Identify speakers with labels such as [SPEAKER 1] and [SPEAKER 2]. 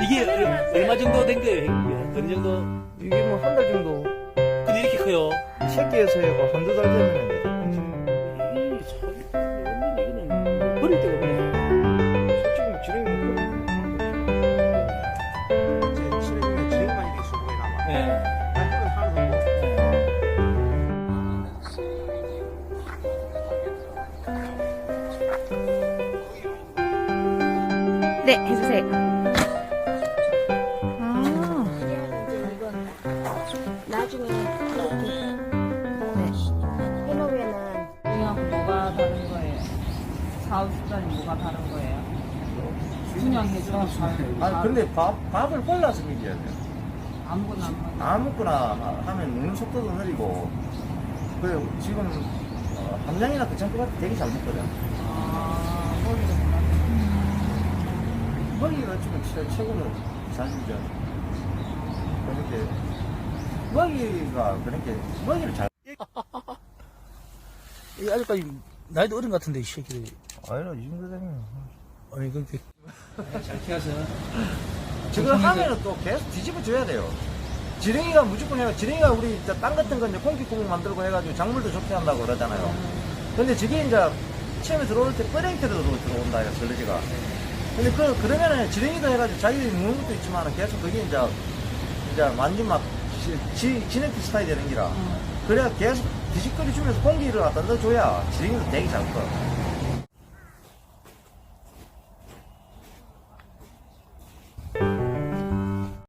[SPEAKER 1] 이게 얼마 정도 된 거예요? 이게 어느 정도?
[SPEAKER 2] 이게 뭐 한 달 정도
[SPEAKER 1] 근데 이렇게 커요?
[SPEAKER 2] 새끼에서 해고 한두 달 되면 돼.
[SPEAKER 1] 이 참, 이거는 뭐 버릴 데가 없네.
[SPEAKER 2] 솔직히 지렁이는 그 지렁이는 지렁이만 이렇게 수고해 남아.
[SPEAKER 1] 네.
[SPEAKER 2] 나는 하나도
[SPEAKER 3] 네, 해주세요. 아,
[SPEAKER 4] 이제 이건 나중에 이렇게 해놓으면은
[SPEAKER 5] 이하고 뭐가 다른 거예요? 사업수단이 뭐가 다른 거예요? 그냥 해줘도
[SPEAKER 2] 아니 근데 밥을 골라서 먹여야 돼.
[SPEAKER 5] 아무거나 안 먹어요.
[SPEAKER 2] 아무거나 하면 먹는 속도도 느리고 그래 지금 함량이나 괜찮을 것 같아. 되게 잘 먹거든.
[SPEAKER 5] 아, 머리도 몰랐네.
[SPEAKER 2] 먹이가 지금 진짜 최고로 잘 주죠. 그렇게 먹이가 그렇게 먹이를 잘.
[SPEAKER 1] 이 아직까지 나이도 어린 것 같은데, 이 새끼들이.
[SPEAKER 2] 아니라 이 정도 되면.
[SPEAKER 1] 아니, 그렇게. 잘 키워서.
[SPEAKER 2] 지금 하면은 또 계속 뒤집어 줘야 돼요. 지렁이가 무조건 해요. 지렁이가 우리 땅 같은 거 이제 콩기구멍 만들고 해가지고 작물도 좋게 한다고 그러잖아요. 근데 저게 이제 처음에 들어올 때 뿌랭이태로 들어온다, 이거 설레지가. 근데 그러면은 지렁이도 해가지고 자기 먹는 것도 있지만 계속 그게 이제 완전 막 진액 스타일이 되는 기라. 그래야 계속 뒤집거리 주면서 공기를 갖다 넣어줘야 지렁이도 되게 잘 커.